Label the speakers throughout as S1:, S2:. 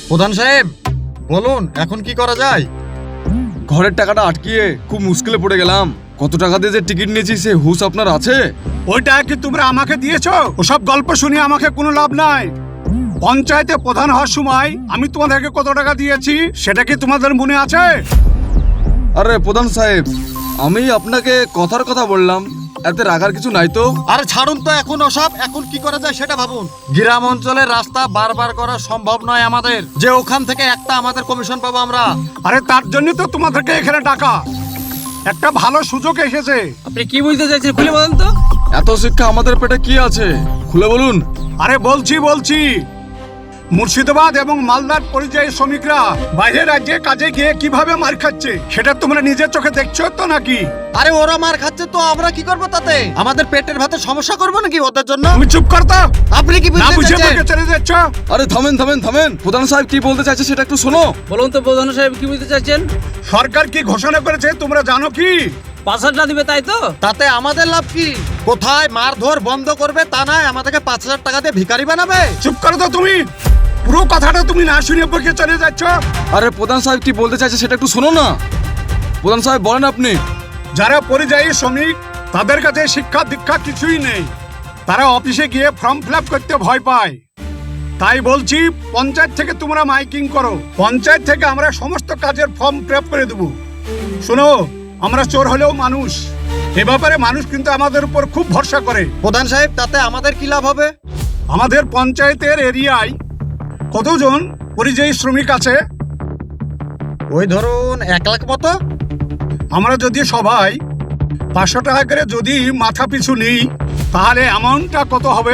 S1: প্রধান সাহেব বলুন এখন কি করা যায়?
S2: ঘরের টাকাটা আটকিয়ে খুব মুশকিলে পড়ে গেলাম। কত টাকা দিয়ে যে টিকিট নিয়েছি সে হুঁশ আপনার আছে?
S3: ওইটা কি তোমরা আমাকে দিয়েছো? ওসব গল্প শুনে আমাকে কোনো লাভ নাই। পঞ্চায়েতে প্রধান হওয়ার সময় আমি তোমাদেরকে কত টাকা দিয়েছি সেটা কি তোমাদের মনে আছে?
S2: আরে প্রধান সাহেব, আমি আপনাকে কথার কথা বললাম, এতে রাখার কিছু নাই তো।
S1: আরে ছাড়ুন তো এখন ওসব, এখন কি করা যায় সেটা ভাবুন। গ্রাম অঞ্চলের রাস্তা বারবার করা সম্ভব নয় আমাদের, যে ওখান থেকে একটা আমাদের কমিশন পাবো আমরা।
S3: আরে তার জন্য তো তোমাদেরকে এখানে ডাকা। একটা ভালো সুযোগ এসেছে।
S4: আপনি কি বলতে চাইছেন খুলে বলেন তো?
S2: এত শিক্ষা আমাদের পেটে কি আছে, খুলে বলুন।
S3: আরে বলছি মুর্শিদাবাদ এবং মালদার পরিযায়ী শ্রমিকরা বাইরের রাজ্যে কাজে গিয়ে কিভাবে মার খাচ্ছে সেটা তোমরা নিজের চোখে দেখছো তো নাকি?
S1: আরে ওরা মার খাচ্ছে তো আমরা কি করবো তাতে? আমাদের পেটের ভাতে সমস্যা করবো নাকি ওদের জন্য?
S3: তুমি চুপ করতো?
S1: আপনি কি
S3: না
S1: বুঝতে
S3: বুঝে
S1: চাইছেন?
S3: বকে চলে যাচ্ছ।
S2: আরে থামেন। প্রধান সাহেব কি বলতে চাইছে সেটা একটু শোনো।
S4: বলুন তো প্রধান সাহেব কি বলতে চাইছেন?
S3: সরকার কি ঘোষণা করেছে তোমরা জানো কি?
S4: ৫,০০০ দিবে তাই তো?
S1: তাতে আমাদের লাভ কি? কোথায় মারধর বন্ধ করবে তা নয় আমাদেরকে ৫,০০০ টাকা দিয়ে ভিখারি বানাবে।
S3: চুপ করো তো তুমি। পুরো কথাটা তুমি না শুনে বকে চলে যাচ্ছ।
S2: আরে প্রধান সাহেব কি বলতে চাইছে সেটা একটু শোনো না। প্রধান সাহেব বলেন আপনি।
S3: যারা পরিযায়ী শ্রমিক তাদের কাছে শিক্ষা দীক্ষা কিছুই নেই। তারা অফিসে গিয়ে ফর্ম ফিল আপ করতে ভয় পায়। তাই বলছি পঞ্চায়েত থেকে তোমরা মাইকিং করো। পঞ্চায়েত থেকে আমরা সমস্ত কাজের ফর্ম ফিল আপ করে দেবো। শোনো, আমরা চোর হলেও মানুষ। এ ব্যাপারে মানুষ কিন্তু আমাদের উপর খুব ভরসা করে।
S1: প্রধান সাহেব তাতে আমাদের কি লাভ হবে?
S3: আমাদের পঞ্চায়েতের এরিয়ায় কতজন পরিযায়ী শ্রমিক আছে?
S1: ওই ধরুন ১,০০,০০০ মতো।
S3: আমরা যদি সবাই ৫০০ টাকা করে যদি মাথা পিছু নিই তাহলে অ্যামাউন্টটা কত হবে?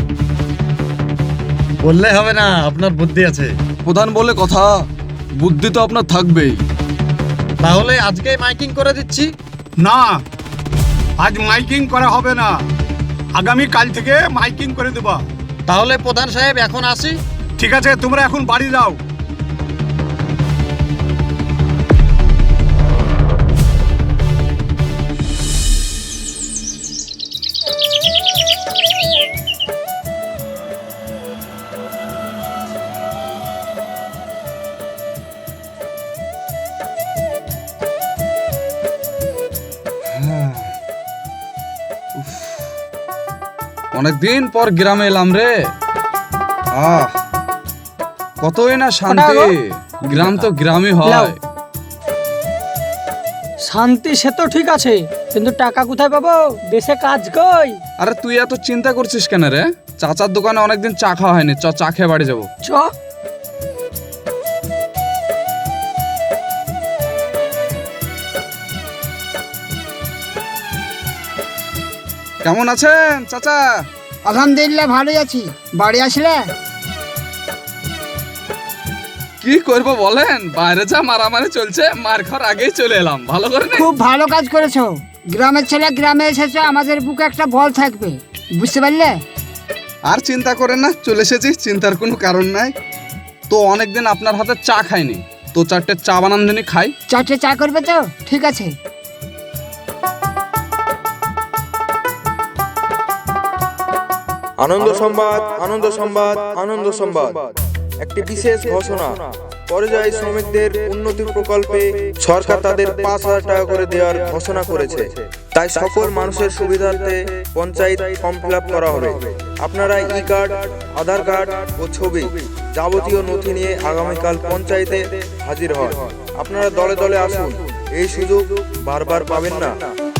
S1: বললে হবে না, আপনার বুদ্ধি আছে।
S2: প্রধান বলে কথা, বুদ্ধি তো আপনার থাকবেই।
S1: তাহলে আজকেই মাইকিং করে দিচ্ছি।
S3: না, আজ মাইকিং করা হবে না। আগামী কাল থেকে মাইকিং করে দেবা।
S1: তাহলে প্রধান সাহেব এখন আসি।
S3: ঠিক আছে, তোমরা এখন বাড়ি যাও।
S2: অনেকদিন পর গ্রামে এলাম রে। কতই না শান্তি। গ্রাম তো গ্রামই হয়।
S5: শান্তি সে তো ঠিক আছে, কিন্তু টাকা কোথায় পাবো? দেশে কাজ কই?
S2: আরে তুই এত চিন্তা করছিস কেন রে? চাচার দোকানে অনেকদিন চা খাওয়া হয়নি, চা খেয়ে বাড়ি যাবো।
S5: চ।
S2: কেমন আছেন চাচা?
S6: আলহামদুলিল্লাহ ভালোই আছি। বাড়ি আসলে?
S2: কি করবো বলেন, বাইরে যা মারামারি চলছে, মার খাওয়ার আগেই চলে এলাম। ভালো করে নে।
S6: খুব ভালো কাজ করেছো। গ্রামের ছেলে গ্রামে এসেছো, আমাদের বুকে একটা বল থাকবে, বুঝতে পারলে?
S2: আর চিন্তা করেন না, চলে এসেছি, চিন্তার কোনো কারণ নাই। তো অনেকদিন আপনার হাতে চা খাইনি, তো 4টে চা বানান দিনই খাই।
S6: 4টে চা করবে তো? ঠিক আছে।
S7: আনন্দ সংবাদ। একটি বিশেষ ঘোষণা। পরিযায়ী শ্রমিকদের উন্নতি প্রকল্পে সরকার তাদের ৫,০০০ টাকা করে দেওয়ার ঘোষণা করেছে। তাই সকল মানুষের সুবিধার্থে পঞ্চায়েত ফর্ম ফিল আপ করা হবে। আপনারা ই কার্ড, আধার কার্ড ও ছবি যাবতীয় নথি নিয়ে আগামীকাল পঞ্চায়েতে হাজির হন। আপনারা দলে দলে আসুন, এই সুযোগ বারবার পাবেন না।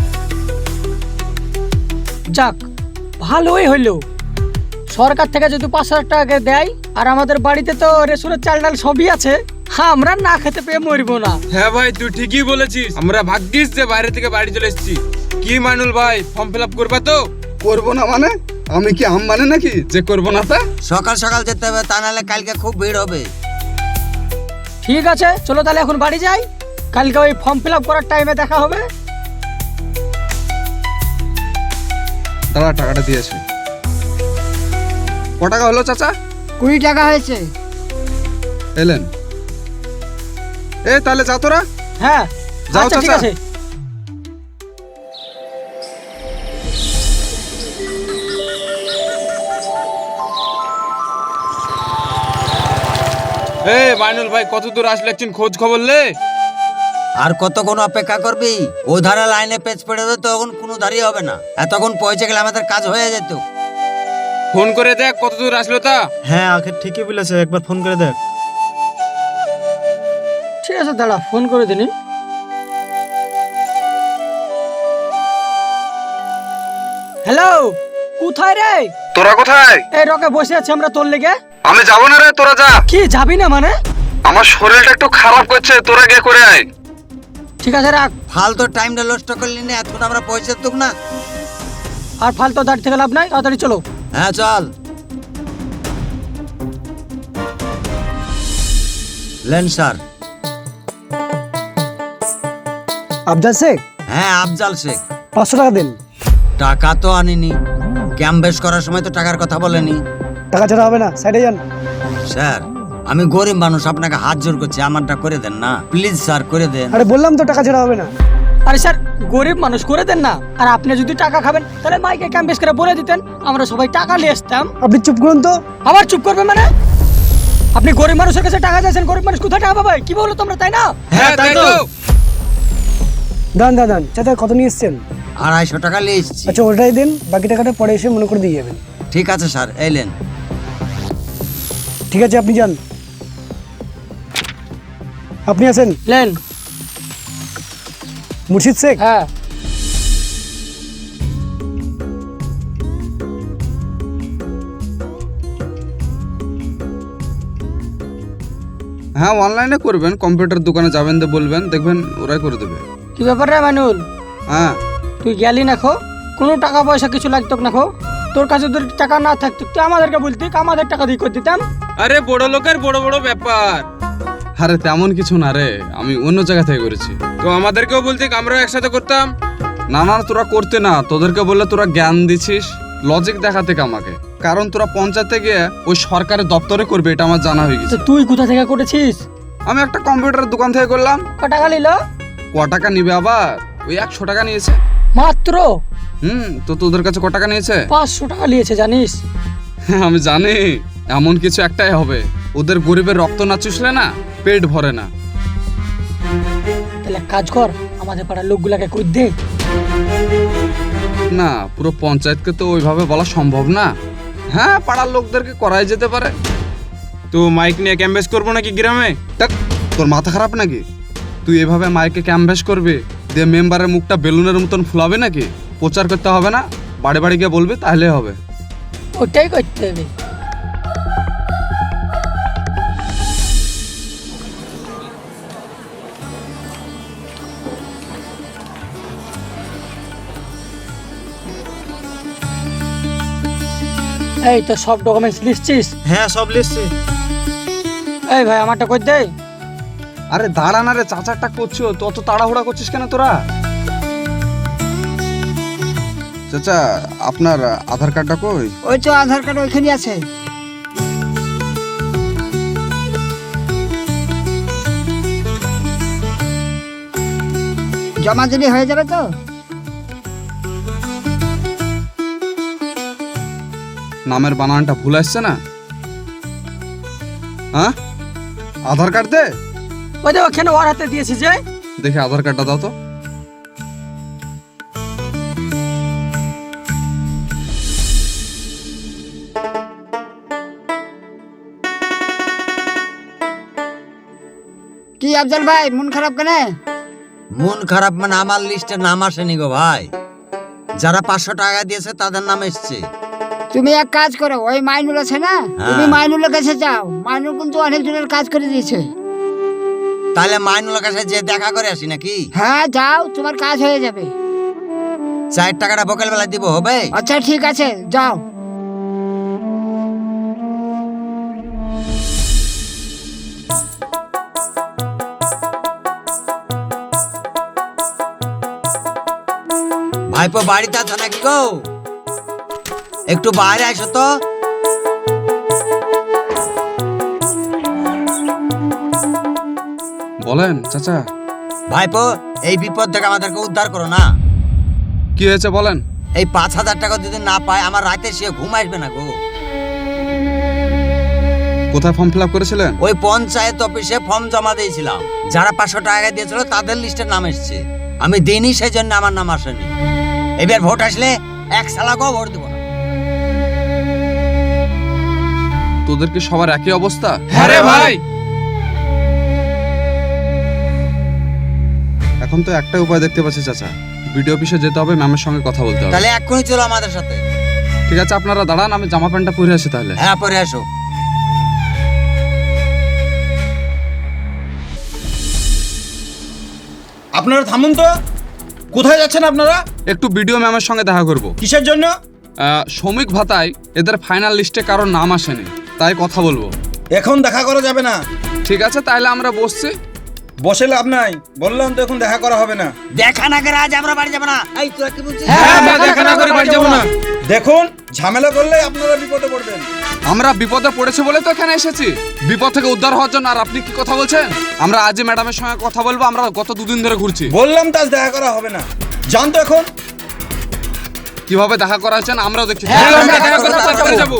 S5: যাক, ভালোই হইলো। সরকার থেকে যদি ৫,০০০ টাকা দেয়, আর আমাদের বাড়িতে তো রেশনের চাল ডাল সবই আছে, আমরা না খেতে পেয়ে মরবো না।
S8: হ্যাঁ ভাই, তুই ঠিকই বলেছিস। আমরা ভাগ্যিস যে বাইরে থেকে বাড়ি চলে এসেছি। কি মানুল ভাই, ফর্ম ফিল আপ করবা তো?
S2: করবো না মানে? আমি কি আম মানে নাকি যে করবো না? তা
S9: সকাল সকাল যেতে হবে, তা নাহলে কালকে খুব ভিড় হবে।
S5: ঠিক আছে, চলো তাহলে এখন বাড়ি যাই। কালকে ওই ফর্ম ফিল আপ করার টাইমে দেখা হবে।
S2: দাঁড়া, টাকাটা দিয়েছে। ক টাকা হলো চাচা?
S6: 20 টাকা হয়েছে।
S2: এলেন। তাহলে যা তোরা।
S5: হ্যাঁ,
S2: যাও
S5: আচ্ছা ঠিক
S2: চাচা।
S5: আছে।
S8: এ বাইনুল ভাই কত দূর আসলে একদিন খোঁজ খবর লে।
S9: আর কতক্ষণ অপেক্ষা করবি? ও ধারে লাইনে পেজ পড়ে দেবে তখন কোনো দাঁড়িয়ে হবে না, এতক্ষণ পৌঁছে গেলে আমাদের কাজ হয়ে যেত।
S8: ফোন করে দেখ কত দূর আসলো তা।
S10: হ্যাঁ আখের ঠিকই বলেছে, একবার ফোন করে দেখ।
S5: ঠিক আছে দাঁড়া, ফোন করে দিনি। হ্যালো, কোথায় রে?
S2: তোরা কোথায়?
S5: এই রকে বসে আছি আমরা তোর লেগে।
S2: আমি যাবো না রে, তোরা যা।
S5: কি যাবি না মানে?
S2: আমার শরীরটা একটু খারাপ করছে, তোরা গিয়ে করে আয়।
S5: ঠিক আছে রাখ।
S9: ফালতু টাইমটা নষ্ট করলি না, এতক্ষণ আমরা পৌঁছে তুক না।
S5: আর ফালতু দাঁড়িয়ে থেকে লাভ নাই, তাড়াতাড়ি চলো।
S9: হ্যাঁ চল। Lane sir.
S10: আফজাল শেখ,
S9: হ্যাঁ আফজাল শেখ।
S10: 500 টাকা দেন।
S9: টাকা তো আনিনি, ক্যাম্প বেশ করার সময় তো টাকার কথা বলেনি।
S10: টাকা ছাড়া হবে না, সাইডে যান।
S9: স্যার আমি গরিব মানুষ, আপনাকে হাত জোর করছি, আমারটা করে দেন না প্লিজ স্যার, করে দেন।
S10: আরে বললাম তো টাকা ছাড়া হবে না।
S5: আরে স্যার গরিব মানুষ, করে দেন না। আর আপনি যদি টাকা খাবেন তাহলে মাইকে ক্যাম্পেস করে বলে দিতেন, আমরা সবাই টাকা নিয়ে আসতাম।
S10: আপনি চুপ করুন তো।
S5: আবার চুপ করবে মানে? আপনি গরিব মানুষের কাছে টাকা চাইছেন, গরিব মানুষ কোথায় টাকা পাবে? কি বলো তোমরা, তাই না?
S8: হ্যাঁ তাই তো।
S10: দান দান দান। চাচা কত নিয়ে এসছেন?
S9: 250 টাকা নিয়ে এসছি।
S10: আচ্ছা ওটাই দেন, বাকি টাকাটা পরে এসে মনে করে দিয়ে যাবেন।
S9: ঠিক আছে স্যার, এলেন।
S10: ঠিক আছে আপনি যান। আপনি আছেন
S5: লেন।
S10: মুর্শিদ শেখ?
S5: হ্যাঁ।
S2: হ্যাঁ অনলাইনে করবেন, কম্পিউটার দোকানে যাবেন তো বলবেন, দেখবেন ওরাই করে দেবে।
S5: কি ব্যাপার রে মানুল,
S2: হ্যাঁ
S5: তুই গেলি না খো? কোনো টাকা পয়সা কিছু লাগতো না খো? তোর কাছে যদি টাকা না থাকতো তুই আমাদেরকে বলতি, আমাদের টাকা দিয়ে করে দিতাম।
S8: আরে বড় লোকের বড় বড় ব্যাপার।
S2: আরে তেমন কিছু না রে, আমি অন্য জায়গা থেকে করেছি।
S8: তো আমাদেরকেও বলতে আমরাও একসাথে করতাম।
S2: না না তোরা করতে না, তোদেরকে বললে তোরা জ্ঞান দিছিস লজিক দেখাতে আমাকে। কারণ তোরা পঞ্চায়েতে গিয়ে ওই সরকারের দপ্তরে করবে, এটা আমার জানা হয়ে
S5: তো
S2: গেছে।
S5: তুই কোথা থেকে করেছিস?
S2: আমি একটা কম্পিউটার দোকান থেকে করলাম।
S5: ক টাকা নিল?
S2: ক টাকা নিবে আবার? ওই 100 টাকা নিয়েছে।
S5: মাত্র?
S2: তো তোদের কাছে ক টাকা নিয়েছে?
S5: 500 টাকা নিয়েছে জানিস?
S2: আমি জানি, এমন কিছু একটাই হবে, ওদের গরিবের রক্ত না চুষলে না পেট ভরে না।
S5: তাহলে এক কাজ কর, আমাদের পাড়ার লোকগুলাকে কই দে।
S2: না পুরো পঞ্চায়েতকে তো ওইভাবে বলা সম্ভব না। হ্যাঁ পাড়ার লোকদেরকে করাই যেতে পারে।
S8: তো মাইক নিয়ে ক্যাম্পেস করবো নাকি গ্রামে?
S2: দেখ তোর মাথা খারাপ নাকি? তুই এভাবে মাইকে ক্যাম্পেস করবি, দিয়ে মেম্বারের মুখটা বেলুনের মতন ফুলাবে নাকি? প্রচার করতে হবে না, বাড়ি বাড়ি গিয়ে বলবি, তাহলে হবে।
S5: ওটাই করতে হবে। এই তো সব ডকুমেন্টস লিখছিস?
S10: হ্যাঁ সব লিখছি।
S5: এই ভাই আমারটা কই দে।
S2: আরে দাঁড়া না রে, চাচারটা করছো তো, অত তাড়াহুড়া করছিস কেন তোরা? চাচা আপনার আধার কার্ডটা কই?
S6: ওই তো আধার কার্ড ওইখানে আছে। জমা দিলে হয়ে যাবে তো?
S2: নামের বানানটা ভুল আসছে না? হ্যাঁ আধার কার্ড দে।
S5: ওই যে ওখানে ওর হাতে দিয়েছি যে।
S2: দেখে আধার কার্ডটা দাও তো।
S6: কি আফজাল ভাই মন খারাপ কেন?
S9: মন খারাপ মানে আমার লিস্টে নাম আসেনি গো ভাই। যারা 500 টাকা দিয়েছে তাদের নাম এসছে।
S6: তুমি এক কাজ করো, ওই মাইনুল আছে না, তুমি মাইনুলের কাছে যাও। মাইনুল কিন্তু অনেক জনের কাজ করে দিয়েছে।
S9: তাহলে মাইনুলের কাছে যে দেখা করে আসি নাকি?
S6: হ্যাঁ যাও, তোমার কাজ হয়ে যাবে।
S9: 4 টাকাটা বকেল বেলা দিব, হবে?
S6: আচ্ছা ঠিক আছে যাও।
S9: ভাইপো বাড়িতে আছো নাকি গো? একটু বাইরে আসো তো।
S2: বলেন চাচা।
S9: ভাইপো এই বিপদ থেকে আমাদেরকে উদ্ধার করো না।
S2: কি হয়েছে বলেন?
S9: এই 5000 টাকা যদি না পাই আমার রাতে সে ঘুম আসবে না গো।
S2: কোথায় ফর্ম ফিল আপ করেছিলেন?
S9: ওই পঞ্চায়েত অফিসে ফর্ম জমা দিয়েছিলাম। যারা 500 টাকা দিয়েছিল তাদের লিস্টে নাম এসেছে। আমি দিইনি, সেই জন্য আমার নাম আসেনি। এবার ভোট আসলে এক সালাকেও ভোট দেবো না।
S2: তোদের কি সবার একই অবস্থা?
S8: হ্যাঁ রে ভাই।
S2: এখন তো একটা উপায় দেখতে পাচ্ছি চাচা, বিডিও অফিসে যেতে হবে, ম্যামের সঙ্গে কথা বলতে হবে।
S9: তাহলে এক্ষুনি চলো আমাদের সাথে।
S2: ঠিক আছে, আপনারা দাঁড়ান, আমি জামা প্যান্টটা পরে আসি তাহলে।
S9: হ্যাঁ, পরে আসো।
S11: আপনারা থামুন তো, কোথায় যাচ্ছেন আপনারা?
S2: একটু বিডিও ম্যামের সঙ্গে দেখা করব।
S11: কিসের জন্য?
S2: শ্রমিক ভাতায় এদের ফাইনাল লিস্টে কারোর নাম আসেনি, তাই কথা বলবো।
S11: এখন দেখা করা যাবে না।
S2: ঠিক আছে, তাহলে আমরা বসছি।
S11: বসে লাভ নাই, বললাম তো এখন দেখা করা হবে না।
S9: দেখা না করে আজ আমরা বাড়ি যাবো না। এই তোরা কি বলছিস?
S8: হ্যাঁ, দেখা না করে বাড়ি যাবো না।
S11: দেখুন, ঝামেলা করলে আপনারা বিপদে পড়বেন।
S2: আমরা বিপদে পড়েছে বলে তো এখানে এসেছি, বিপদ থেকে উদ্ধার হওয়ার জন্য। আর আপনি কি কথা বলছেন? আমরা আজই ম্যাডামের সঙ্গে কথা বলবো, আমরা গত 2 দিন ধরে ঘুরছি।
S11: বললাম তো আজ দেখা করা হবে না, জান তো এখন।
S2: কিভাবে দেখা করা হচ্ছেন আমরাও দেখছি।
S8: হ্যাঁ, আমরা দেখা করে তারপরে যাবো।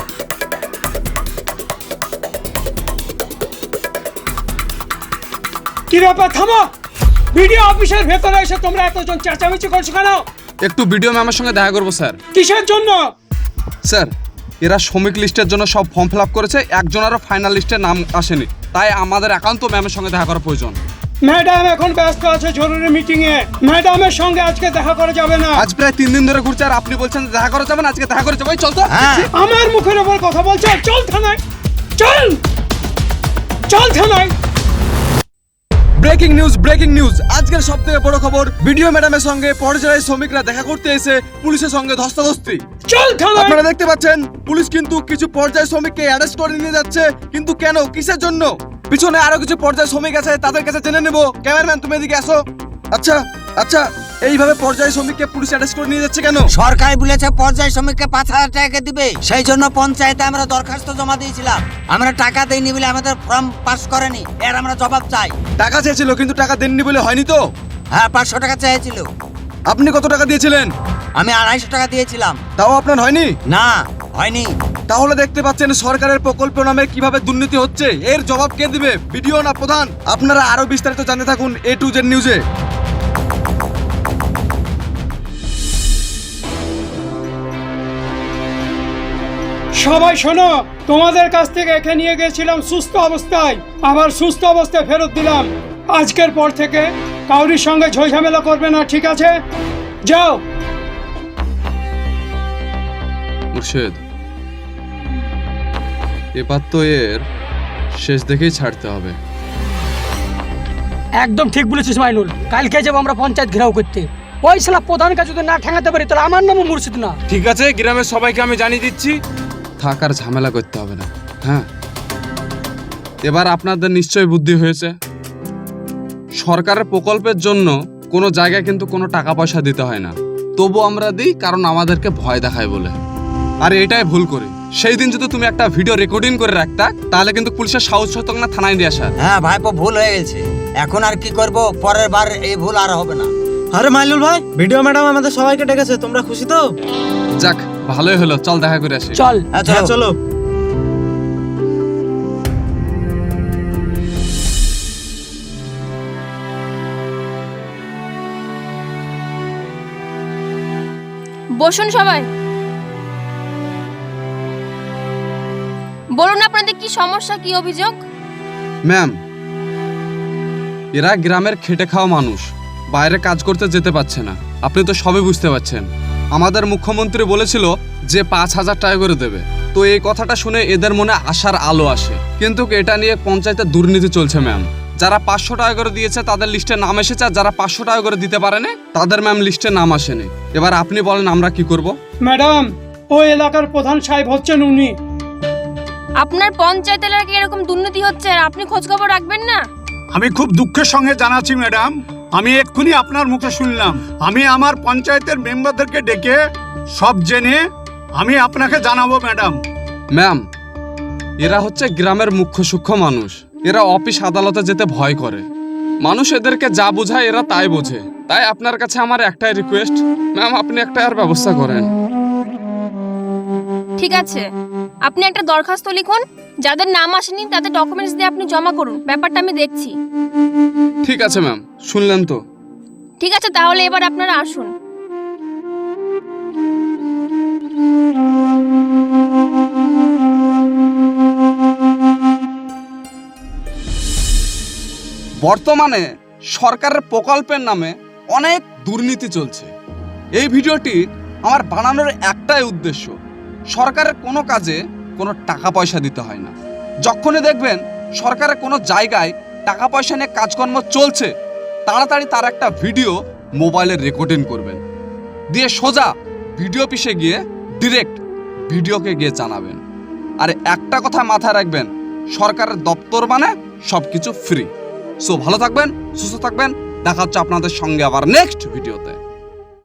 S10: কি ব্যাপার, থামো। ভিডিও অফিসের ভেতরে এসে তোমরা এতজন চেঁচামেচি করছো কেন?
S2: একটু বিডিও ম্যামের সঙ্গে দেখা করবো স্যার।
S10: কিসের জন্য?
S2: স্যার, এরা শ্রমিক লিস্টের জন্য সব ফর্ম ফিল আপ করেছে, একজনেরও ফাইনাল লিস্টে নাম আসেনি, তাই আমাদের একান্ত ম্যামের সঙ্গে দেখা করা প্রয়োজন।
S10: ম্যাডাম এখন ব্যস্ত আছে জরুরি মিটিং এ, ম্যাডামের সঙ্গে আজকে দেখা করা যাবে না।
S2: আজ প্রায় 3 দিন ধরে ঘুরছে, আর আপনি বলছেন দেখা করা যাবে না। আজকে দেখা করে যাবো, চল তো।
S9: হ্যাঁ।
S10: আমার মুখের উপর কথা বলছো? চল থানায়, চল চল থানায়।
S2: Breaking news, breaking news! আজকের সবথেকে বড় খবর, বিডিও ম্যাডামের সঙ্গে পর্যায়ে শ্রমিকরা দেখা করতে এসে পুলিশের সঙ্গে ধস্তাধস্তি।
S10: চল থানায়।
S2: আপনারা দেখতে পাচ্ছেন পুলিশ কিন্তু কিছু পর্যায় শ্রমিককে অ্যারেস্ট করে নিয়ে যাচ্ছে, কিন্তু কেন, কিসের জন্য? পিছনে আরো কিছু পর্যায় শ্রমিক আছে, তাদের কাছে জেনে নেব। ক্যামেরাম্যান, তুমি এদিকে আসো। আচ্ছা আচ্ছা, এইভাবে পর্যায় শ্রমিককে পুলিশ অ্যারেস্ট করে নিয়ে যাচ্ছে কেন?
S9: সরকার বলেছে পর্যায় শ্রমিককে 5000 টাকা দিবে, সেই জন্য পঞ্চায়েতে আমরা দরখাস্ত জমা দিয়েছিলাম। আমরা টাকা দেইনি বলে আমাদের ফর্ম পাস করেনি, এর আমরা জবাব চাই।
S2: টাকা চেয়েছিল, কিন্তু টাকা দেননি বলে হয়নি তো?
S9: হ্যাঁ, 500 টাকা চেয়েছিল।
S2: আপনি কত টাকা দিয়েছিলেন?
S9: আমি 250 টাকা দিয়েছিলাম।
S2: তাও আপনার হয়নি?
S9: না, হয়নি।
S2: তাহলে দেখতে পাচ্ছেন সরকারের প্রকল্প নামে কিভাবে দুর্নীতি হচ্ছে। এর জবাব কে দিবে, বিডিও না প্রধান? আপনারা আরো বিস্তারিত জানতে থাকুন A to Z নিউজে।
S10: সবাই শোনো, তোমাদের কাছ থেকে একে নিয়ে গেছিলাম সুস্থ অবস্থায়, আবার সুস্থ অবস্থায় ফেরত দিলাম। আজকের পর থেকে কাউরির সঙ্গে ঝামেলা করবে না, ঠিক আছে? যাও।
S2: মুর্শেদ, এবার তো এর শেষ দেখেই ছাড়তে হবে।
S5: একদম ঠিক বলেছিস মাইনুল, কালকে যাবো আমরা পঞ্চায়েত ঘেরাও করতে। ওই শালা প্রধানকে যদি না ঠেঙাতে পারি তাহলে আমার নামও মুর্শিদ না।
S8: ঠিক আছে, গ্রামের সবাইকে আমি জানিয়ে দিচ্ছি।
S2: থাকার ঝামেলা করতে হবে না। হ্যাঁ, এবার আপনাদের নিশ্চয়ই বুদ্ধি হয়েছে। সরকারের প্রকল্পের জন্য কোনো জায়গায় কিন্তু কোনো টাকা পয়সা দিতে হয় না, তবু আমরা দিই কারণ আমাদেরকে ভয় দেখায় বলে। আর এটাই ভুল করি। সেই দিন যদি তুমি একটা ভিডিও রেকর্ডিং করে রাখতা, তাহলে কিন্তু পুলিশের সাহস হতো না থানায় নিয়ে আসার।
S9: হ্যাঁ ভাইপো, ভুল হয়ে গেছে। এখন আর কি করব, পরের বার এই ভুল আর হবে না।
S11: আরে মাইনুল ভাই, ভিডিও ম্যাডাম আমাদের সবাইকে ডেকেছে, তোমরা খুশি তো?
S2: যাক, ভালোই হলো, চল দেখা করে আসি।
S5: চল।
S9: হ্যাঁ,
S11: হ্যাঁ, চলো।
S12: বসুন সবাই, বলুন আপনাদের কি সমস্যা, কি অভিযোগ?
S2: ম্যাম, এরা গ্রামের খেটে খাওয়া মানুষ, বাইরে কাজ করতে যেতে পারছে না। আপনি তো সবই বুঝতে পারছেন। আমাদের মুখ্যমন্ত্রী বলেছিল যে 5000 টাকা করে দেবে, তো এই কথাটা শুনে এদের মনে আশার আলো আসে। কিন্তু এটা নিয়ে পঞ্চায়েতে দুর্নীতি চলছে ম্যাম। যারা 500 টাকা করে দিয়েছে তাদের লিস্টে নাম এসেছে, আর যারা 500 টাকা করে দিতে পারেনি তাদের ম্যাম লিস্টে নাম আসেনি। এবার আপনি বলেন আমরা কি করব?
S10: ম্যাডাম, ওই এলাকার প্রধান সাহেব হচ্ছেন উনি।
S12: আপনার পঞ্চায়েত এলাকায় এরকম দুর্নীতি হচ্ছে আর আপনি খোঁজ খবর রাখবেন না?
S3: আমি খুব দুঃখের সঙ্গে জানাচ্ছি ম্যাডাম, আমি এক্ষুনি আপনার মুখে শুনলাম। আমি আমার পঞ্চায়েতের মেম্বারদেরকে ডেকে সব জেনে আমি আপনাকে জানাবো ম্যাডাম।
S2: ম্যাম, এরা হচ্ছে গ্রামের মুখ্য সূক্ষ্ম মানুষ। এরা অফিস আদালতে যেতে ভয় করে। মানুষ এদেরকে যা বোঝায় এরা তাই বোঝে। তাই আপনার কাছে আমার একটাই রিকোয়েস্ট, ম্যাম আপনি একটা আর ব্যবস্থা করেন।
S12: ঠিক আছে, আপনি একটা দরখাস্ত লিখুন, যাদের নাম আসেনি তাদের ডকুমেন্টস দিয়ে আপনি জমা করুন, ব্যাপারটা আমি দেখছি।
S2: ঠিক আছে ম্যাম, শুনলেন তো?
S12: ঠিক আছে, তাহলে এবার আপনারা আসুন।
S2: বর্তমানে সরকারের প্রকল্পের নামে অনেক দুর্নীতি চলছে। এই ভিডিওটি আমার বানানোর একটাই উদ্দেশ্য, সরকারের কোনো কাজে কোনো টাকা পয়সা দিতে হয় না। যখনই দেখবেন সরকারের কোনো জায়গায় টাকা পয়সা নিয়ে কাজকর্ম চলছে, তাড়াতাড়ি তার একটা ভিডিও মোবাইলে রেকর্ডিং করবেন, দিয়ে সোজা ভিডিও অফিসে গিয়ে ডিরেক্ট ভিডিওকে গিয়ে জানাবেন। আর একটা কথা মাথায় রাখবেন, সরকারের দপ্তর মানে সব কিছু ফ্রি। সো ভালো থাকবেন, সুস্থ থাকবেন, দেখা হচ্ছে আপনাদের সঙ্গে আবার নেক্সট ভিডিওতে।